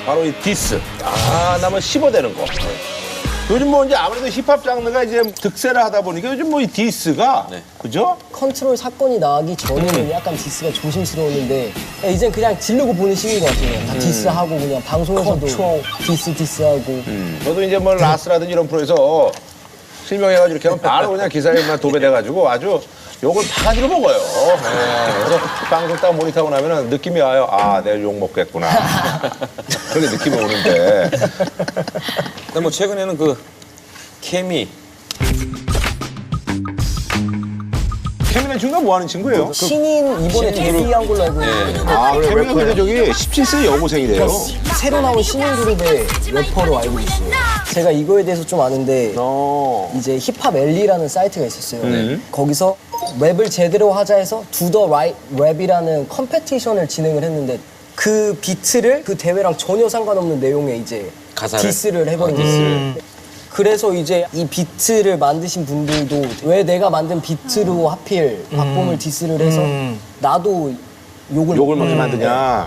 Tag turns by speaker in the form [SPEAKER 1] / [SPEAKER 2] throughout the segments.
[SPEAKER 1] 바로 이 디스. 나면 씹어대는 거. 요즘 뭐 이제 아무래도 힙합 장르가 이제 득세를 하다 보니까 요즘 뭐 이 디스가 그죠?
[SPEAKER 2] 컨트롤 사건이 나기 전에는 약간 디스가 조심스러웠는데 이젠 그냥 지르고 보는 시기인 것 같아요. 다 디스하고 그냥 방송에서도 디스하고.
[SPEAKER 1] 저도 이제 뭐 라스라든지 이런 프로에서 실명해가지고 이렇게 하면 바로 그냥 기사에만 도배돼가지고 아주 욕을 바가지로 먹어요. 네. 그래서 방송 딱 모니터하고 나면은 느낌이 와요. 아, 내가 욕 먹겠구나. 그렇게 느낌이 오는데.
[SPEAKER 3] 근데 뭐 최근에는 그 케미
[SPEAKER 1] 케미는 중간 뭐 하는 친구예요?
[SPEAKER 2] 신인 이번에 데뷔한 걸로 알고 있는데
[SPEAKER 1] 아, 케미가 근데 저기 17세 여고생이래요.
[SPEAKER 2] 새로 나온 신인 그룹의 래퍼로 알고 있어요. 제가 이거에 대해서 좀 아는데 이제 힙합 엘리라는 사이트가 있었어요. 거기서 랩을 제대로 하자 해서 Do the Right Rap이라는 컴페티션을 진행을 했는데 그 비트를 그 대회랑 전혀 상관없는 내용의 이제
[SPEAKER 3] 가사를?
[SPEAKER 2] 디스를 해버린 거예요. 그래서 이제 이 비트를 만드신 분들도 왜 내가 만든 비트로 하필 박봄을 디스를 해서 나도
[SPEAKER 1] 욕을 먹게 만드냐.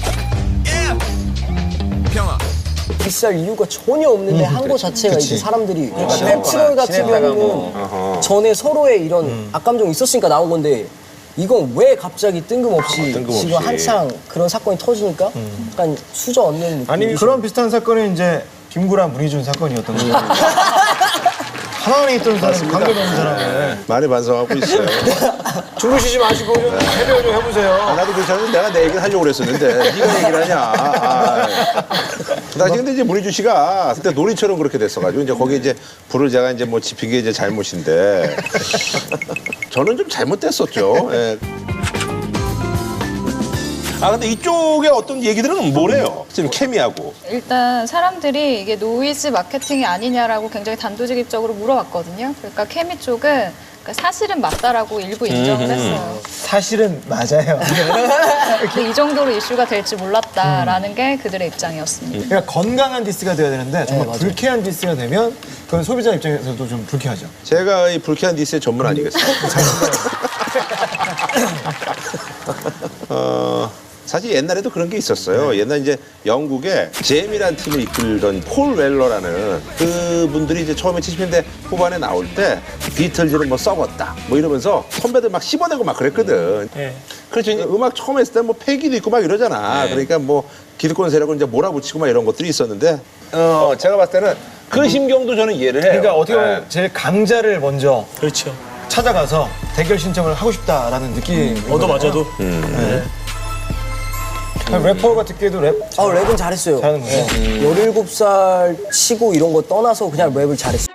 [SPEAKER 2] 디스할 이유가 전혀 없는데 한 거 자체가 이제 사람들이 랩트롤 같은 경우는 전에 서로의 이런 악감정이 있었으니까 나온 건데 이건 왜 갑자기 뜬금없이 지금 한창 그런 사건이 터지니까 약간 수저 얻는 느낌.
[SPEAKER 4] 아니 그런 비슷한 사건이 이제 김구라 문희준 사건이었던 거예요. 하나만에 있던 사람, 관계가 없는 사람을.
[SPEAKER 1] 많이 반성하고 있어요.
[SPEAKER 4] 주무시지 마시고 좀 해결 좀 해보세요.
[SPEAKER 1] 나도 괜찮은데 내가 내 얘기를 하려고 그랬었는데 네가 얘기를 하냐. 그 당시 근데 이제 문희준 씨가 그때 놀이처럼 그렇게 됐어가지고 이제 거기 이제 불을 제가 이제 뭐 지핀 게 이제 잘못인데 저는 좀 잘못됐었죠. 예. 근데 이쪽에 어떤 얘기들은 뭐래요? 지금 케미하고.
[SPEAKER 5] 일단 사람들이 이게 노이즈 마케팅이 아니냐라고 굉장히 단도직입적으로 물어봤거든요. 그러니까 케미 쪽은 그러니까 사실은 맞다라고 일부 인정을 했어요.
[SPEAKER 4] 사실은 맞아요.
[SPEAKER 5] 근데 이 정도로 이슈가 될지 몰랐다라는 게 그들의 입장이었습니다.
[SPEAKER 4] 그러니까 건강한 디스가 돼야 되는데 정말 불쾌한 디스가 되면 그건 소비자 입장에서도 좀 불쾌하죠.
[SPEAKER 1] 제가 이 불쾌한 디스의 전문 아니겠어요? 사실 옛날에도 그런 게 있었어요. 옛날 이제 영국에 잼이라는 팀을 이끌던 폴 웰러라는 그분들이 이제 처음에 70년대 후반에 나올 때 비틀즈는 뭐 썩었다 뭐 이러면서 선배들 막 씹어내고 막 그랬거든. 그렇죠. 이제 음악 처음 했을 때 뭐 패기도 있고 막 이러잖아. 그러니까 뭐 기득권 세력을 이제 몰아붙이고 막 이런 것들이 있었는데 제가 봤을 때는 그 심경도 저는 이해를 해요.
[SPEAKER 4] 그러니까 어떻게 보면 제일 강자를 먼저 찾아가서 대결 신청을 하고 싶다라는 느낌이
[SPEAKER 6] 얻어맞아도.
[SPEAKER 4] 래퍼가 듣기에도 랩
[SPEAKER 2] 랩은 잘했어요.
[SPEAKER 4] 잘하는 거예요.
[SPEAKER 2] 17살 치고 이런 거 떠나서 그냥 랩을 잘했어요.